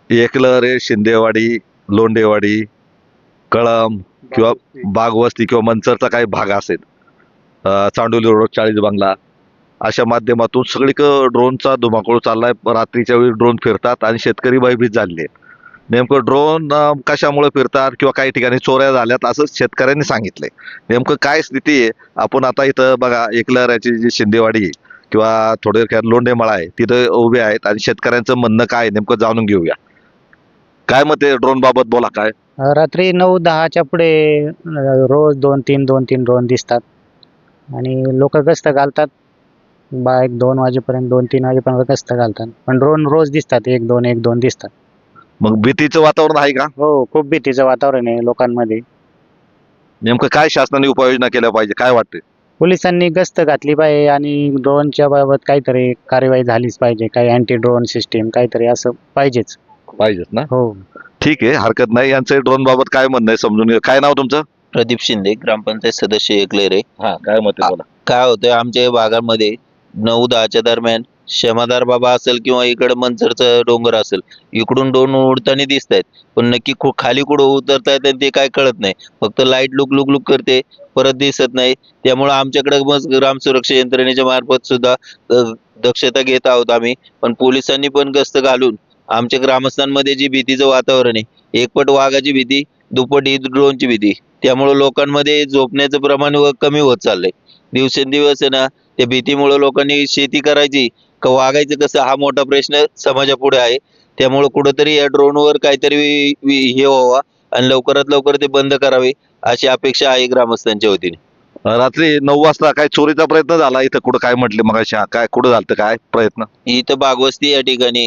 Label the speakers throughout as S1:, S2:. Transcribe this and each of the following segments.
S1: एकलहरे, शिंदेवाडी, लोंडेवाडी, कळंब किंवा बागवस्ती किंवा मंचरचा काही भाग असेल, चांडोली रोड, चाळीस बंगला, अशा माध्यमातून सगळीकडे ड्रोनचा धुमाकूळ चाललाय. रात्रीच्या वेळी ड्रोन फिरतात आणि शेतकरी भयभीत झाले. नेमकं ड्रोन कशामुळे फिरतात किंवा काही ठिकाणी चोऱ्या झाल्यात असं शेतकऱ्यांनी सांगितलंय. नेमकं काय स्थिती आहे, आपण आता इथं बघा, एकलहराची जी शिंदेवाडी आहे किंवा थोडक्यात लोंढेमळा आहे, तिथं उभे आहेत आणि शेतकऱ्यांचं म्हणणं काय आहे नेमकं जाणून घेऊया. काय मत आहे ड्रोन बाबत, बोला काय.
S2: रात्री 9-10च्या पुढे रोज 2-3 ड्रोन दिसतात आणि लोक गस्त घालतात. 1-2 वाजेपर्यंत, 2-3 वाजेपर्यंत गस्त घालतात. पण ड्रोन रोज दिसतात, 1-2 दिसतात.
S1: मग भीतीचं वातावरण आहे का?
S2: हो, खूप भीतीचं वातावरण आहे लोकांमध्ये.
S1: नेमकं काय शासनाने उपाययोजना केल्या पाहिजे, काय वाटते?
S2: पोलिसांनी गस्त घातली पाहिजे आणि ड्रोनच्या बाबत काहीतरी कार्यवाही झालीच पाहिजे. काही अँटी ड्रोन सिस्टीम काहीतरी असं पाहिजेच.
S1: पाहिजेच ना.
S2: हो.
S1: ठीक आहे, हरकत नाही. यांचं ड्रोन बाबत काय म्हणणं आहे समजून घ्या. काय नाव तुमचं?
S3: प्रदीप शिंदे, ग्रामपंचायत सदस्य एकलेरे.
S1: हा, काय मत आहे बोला.
S3: काय होतंय आमच्या या भागामध्ये 9-10च्या दरम्यान क्षमादार बाबा असेल किंवा इकडे मंचरचं डोंगर असेल, इकडून ड्रोन उडताना दिसत आहेत, पण नक्की खाली कुठं उतरतायत ते काय कळत नाही. फक्त लाईट लुक लुक लुक करते, परत दिसत नाही. त्यामुळे आमच्याकडे मग ग्राम सुरक्षा यंत्रणेच्या मार्फत सुद्धा दक्षता घेत आहोत आम्ही. पण पोलिसांनी पण गस्त घालून आमच्या ग्रामस्थांमध्ये जी भीतीचं वातावरण आहे, एकपट वाघाची भीती, दुप्पट ही ड्रोनची भीती, त्यामुळे लोकांमध्ये झोपण्याचं प्रमाण कमी होत चाललंय. दिवसेंदिवस आहे ना, त्या भीतीमुळे लोकांनी शेती करायची का वागायचं कसं हा मोठा प्रश्न समाजापुढे आहे. त्यामुळे कुठंतरी या ड्रोनवर काहीतरी हे व्हावा आणि लवकरात लवकर ते बंद करावे अशी अपेक्षा आहे ग्रामस्थांच्या वतीने.
S1: रात्री 9 वाजता काय चोरीचा प्रयत्न झाला इथं, कुठं काय म्हटले मग, काय कुठं झालं काय प्रयत्न?
S3: इथं बागवस्ती या ठिकाणी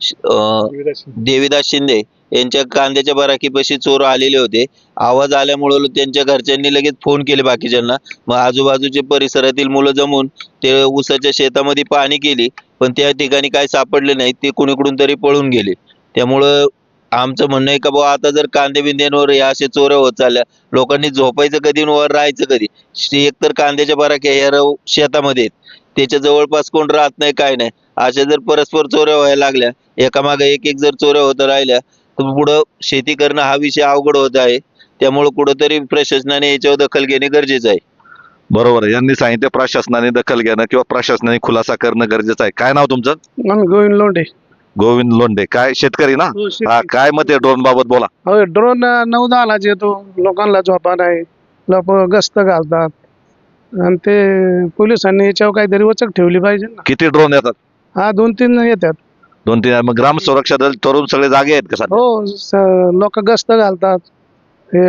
S3: देवीदास शिंदे यांच्या कांद्याच्या बराकीपाशी चोर आलेले होते. आवाज आल्यामुळे त्यांच्या घरच्यांनी लगेच फोन केले बाकीच्यांना. मग आजूबाजूचे परिसरातील मुलं जमून ते ऊसाच्या शेतामध्ये पाहणी केली, पण त्या ठिकाणी काय सापडले नाही. ते कुणीकडून तरी पळून गेले. त्यामुळं आमचं म्हणणं आहे का बाबा, आता जर कांदे बिंद्यांवर या असे चोऱ्या होत चालल्या, लोकांनी झोपायचं कधी आणि वर राहायचं कधी? एकतर कांद्याच्या बराक्या ह्या शेतामध्ये आहेत, त्याच्या जवळपास कोण राहत नाही, काय नाही. अशा जर परस्पर चोऱ्या व्हायला लागल्या, एकामागे एक जर चोऱ्या होत राहिल्या, तर पुढं शेती करणं हा विषय अवघड होत आहे. त्यामुळे कुठंतरी प्रशासनाने याच्यावर दखल घेणे गरजेचं आहे.
S1: बरोबर आहे, यांनी सांगितलं प्रशासनाने दखल घेणं किंवा प्रशासनाने खुलासा करणं गरजेचं आहे. काय नाव तुमचं?
S4: गोविंद लोंढे.
S1: गोविंद लोंढे. काय शेतकरी ना? हा, काय मत आहे ड्रोन बाबत, बोला.
S4: हो, ड्रोन 9-10लाच येतो, लोकांना झोपा नाही, लोक गस्त घालतात आणि ते पोलिसांनी याच्यावर काहीतरी वचक ठेवली पाहिजे ना.
S1: किती ड्रोन येतात?
S4: हा, 2-3 येतात.
S1: 2-3. मग ग्राम सुरक्षा दल तरुण सगळे जागे आहेत का सध्या?
S4: हो, लोक गस्त घालतात. हे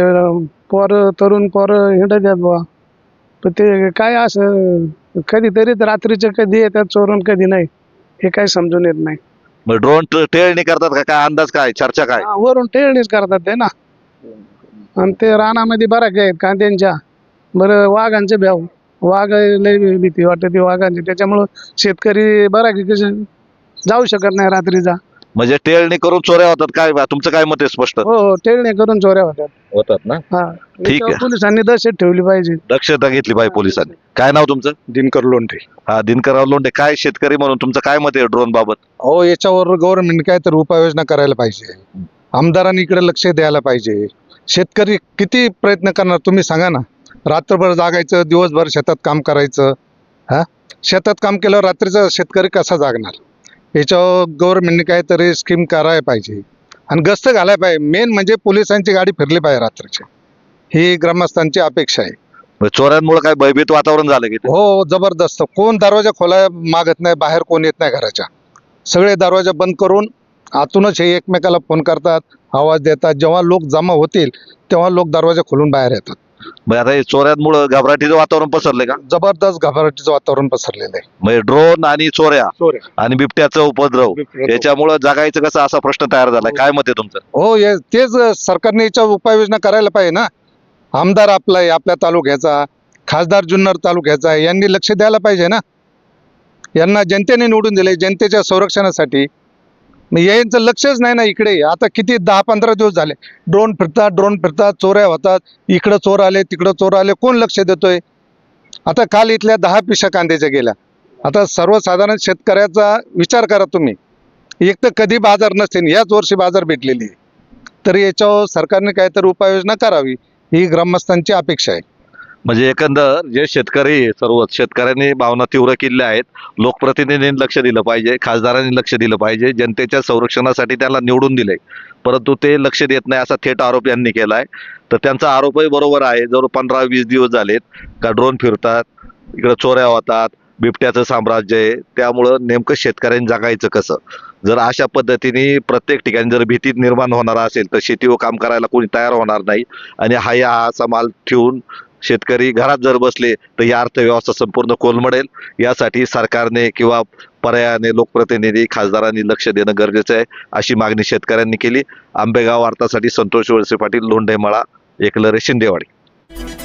S4: तरुण पोर हिंडतात बुवा. पण ते काय असं कधीतरी रात्रीचे कधी येतात चोरून, कधी नाही, हे काही समजून येत नाही.
S1: मग ड्रोन टेळणी करतात का, काय अंदाज, काय चर्चा काय?
S4: हा, वरून टेळणीच करतात ते ना. आणि ते रानामध्ये बराच आहेत कांद्यांच्या. बरं, वाघांचे भ्याव, वाघ लय भीती वाटते ती वाघांची. त्याच्यामुळं शेतकरी बराकी कसे जाऊ शकत नाही रात्रीचा.
S1: म्हणजे टेळणी करून चोऱ्या होतात काय? तुमचं काय मत आहे स्पष्ट?
S4: हो, टेळणी करून चोऱ्या
S1: होतात ना.
S4: हा,
S1: ठीक
S4: याच्यावर
S1: आहे.
S4: पोलिसांनी दहशत ठेवली पाहिजे.
S1: दक्षता घेतली पाहिजे पोलिसांनी. काय नाव तुमचं?
S5: दिनकर लोंढे.
S1: हा, दिनकरराव लोंढे. काय शेतकरी म्हणून तुमचं काय मत आहे ड्रोन बाबत?
S5: हो, याच्यावर गव्हर्नमेंट काय तर उपाययोजना करायला पाहिजे. आमदारांनी इकडे लक्ष द्यायला पाहिजे. शेतकरी किती प्रयत्न करणार तुम्ही सांगा ना. रात्रभर जागायचं, दिवसभर शेतात काम करायचं. हा, शेतात काम केल्यावर रात्रीचा शेतकरी कसा जागणार? याच्यावर गव्हर्नमेंटने काहीतरी स्कीम करायला पाहिजे आणि गस्त घालायला पाहिजे. मेन म्हणजे पोलिसांची गाडी फिरली पाहिजे रात्रीची, ही ग्रामस्थांची अपेक्षा आहे.
S1: मग चोऱ्यांमुळे काय भयभीत वातावरण झालं की?
S5: हो, जबरदस्त. कोण दरवाजा खोलाय मागत नाही, बाहेर कोण येत नाही घराच्या. सगळे दरवाजा बंद करून आतूनच हे एकमेकाला फोन करतात, आवाज देतात. जेव्हा लोक जमा होतील तेव्हा लोक दरवाजा खोलून बाहेर येतात.
S1: मग आता हे चोऱ्यांमुळे घबराटीचं वातावरण पसरले का?
S5: जबरदस्त घबराटीचं वातावरण पसरलेलं आहे.
S1: म्हणजे ड्रोन आणि चोऱ्या आणि बिबट्याचा उपद्रव याच्यामुळे जगायचं कसं, असा प्रश्न तयार झालाय. काय मत आहे तुमचं?
S5: हो, तेच सरकारने याच्यावर उपाययोजना करायला पाहिजे ना. आमदार आपला आहे, आपल्या तालुक्याचा, खासदार जुन्नर तालुक्याचा आहे, यांनी लक्ष द्यायला पाहिजे ना. यांना जनतेने निवडून दिले जनतेच्या संरक्षणासाठी. मग यांचं लक्षच नाही ना इकडे. आता किती 10-15 दिवस झाले ड्रोन फिरतात, चोऱ्या होतात, इकडं चोर आले, तिकडं चोर आले, कोण लक्ष देतोय? आता काल इथल्या 10 पिशा कांद्याच्या गेल्या. आता सर्वसाधारण शेतकऱ्याचा विचार करा तुम्ही. एक तर कधी बाजार नसते, याच वर्षी बाजार भेटलेली आहे. तर याच्यावर सरकारने काहीतरी उपाययोजना करावी ही ग्रामस्थांची अपेक्षा आहे.
S1: म्हणजे एकंदर जे शेतकरी आहे, सर्व शेतकऱ्यांनी भावना तीव्र केल्या आहेत. लोकप्रतिनिधींनी लक्ष दिलं पाहिजे, खासदारांनी लक्ष दिलं पाहिजे. जनतेच्या संरक्षणासाठी त्याला निवडून दिले, परंतु ते लक्ष देत नाही असा थेट आरोप यांनी केलाय. तर त्यांचा आरोपही बरोबर आहे. जवळ 15-20 दिवस झालेत का ड्रोन फिरतात, इकडे चोऱ्या होतात, बिबट्याचं साम्राज्य आहे. त्यामुळं नेमकं शेतकऱ्यांनी जगायचं कसं? जर अशा पद्धतीने प्रत्येक ठिकाणी जर भीती निर्माण होणार असेल तर शेतीवर काम करायला कोणी तयार होणार नाही. आणि हा असा माल ठेवून शेतकरी घरात जर बसले तर ही अर्थव्यवस्था संपूर्ण कोलमडेल. यासाठी सरकारने किंवा पर्यायाने लोकप्रतिनिधी खासदारांनी लक्ष देणं गरजेचं आहे, अशी मागणी शेतकऱ्यांनी केली. आंबेगाव वार्तासाठी संतोष वळसे पाटील, लोंढेमळा, एकलरे, शिंदेवाडी.